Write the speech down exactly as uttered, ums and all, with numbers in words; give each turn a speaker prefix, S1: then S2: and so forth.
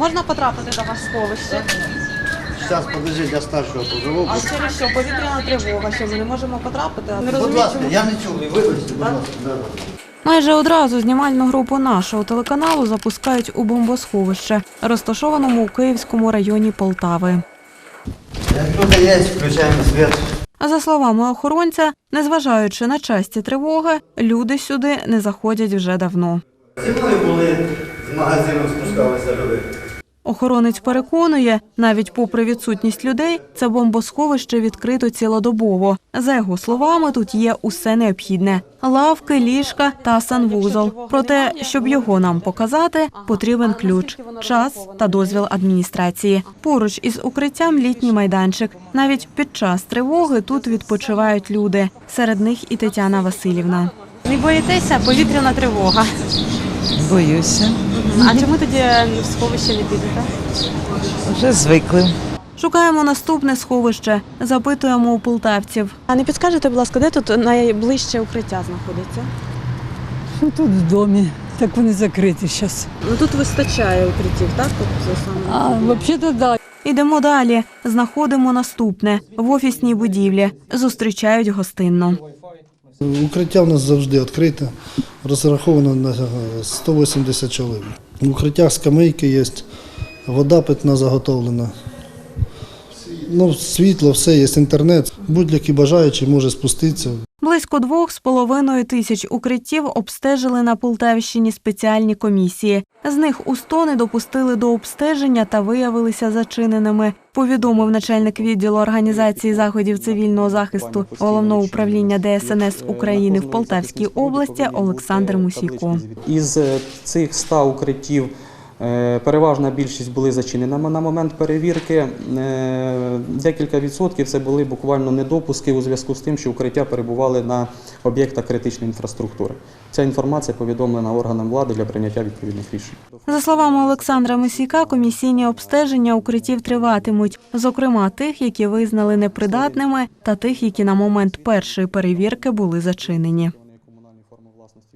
S1: Можна потрапити до вас в сховище?
S2: Зараз, подожди, для старшого позову.
S1: А через що? Повітряна тривога, що ми не можемо потрапити? Не
S2: Будь
S1: розумію,
S2: ласка,
S1: чому.
S2: я не чую, вибачте, будь ласка. Да.
S1: Майже одразу знімальну групу нашого телеканалу запускають у бомбосховище, розташованому у Київському районі Полтави.
S2: Як тут є, включаємо світ.
S1: А за словами охоронця, незважаючи на часті тривоги, люди сюди не заходять вже давно.
S2: Зимою були, з магазину спускалися люди.
S1: Охоронець переконує, навіть попри відсутність людей, це бомбосховище відкрито цілодобово. За його словами, тут є усе необхідне – лавки, ліжка та санвузол. Проте, щоб його нам показати, потрібен ключ, час та дозвіл адміністрації. Поруч із укриттям літній майданчик. Навіть під час тривоги тут відпочивають люди. Серед них і Тетяна Васильівна. Не боїтеся? Повітряна тривога.
S3: Боюся.
S1: А чому тоді в сховище не підете?
S3: Вже звикли.
S1: Шукаємо наступне сховище. Запитуємо у полтавців. А не підскажете, будь ласка, де тут найближче укриття знаходиться?
S4: Ну, тут в домі, так вони закриті зараз.
S1: Ну тут вистачає укриттів, так? Тобто, саме...
S4: А взагалі-то да.
S1: Ідемо далі. Знаходимо наступне. В офісній будівлі. Зустрічають гостинно.
S5: Укриття в нас завжди відкрите, розраховано на сто вісімдесят чоловік. В укриттях скамейки є, вода питна заготовлена. Ну, світло, все, є інтернет. Будь-який бажаючий може спуститися.
S1: Близько двох з половиною тисяч укриттів обстежили на Полтавщині спеціальні комісії. З них у сто не допустили до обстеження та виявилися зачиненими, повідомив начальник відділу організації заходів цивільного захисту Головного управління Де Ес Ен Ес України в Полтавській області Олександр Мусійко.
S6: Із цих ста укриттів переважна більшість були зачинені на момент перевірки. Декілька відсотків це були буквально недопуски у зв'язку з тим, що укриття перебували на об'єктах критичної інфраструктури. Ця інформація повідомлена органам влади для прийняття відповідних рішень.
S1: За словами Олександра Мусійка, комісійні обстеження укриттів триватимуть. Зокрема, тих, які визнали непридатними, та тих, які на момент першої перевірки були зачинені.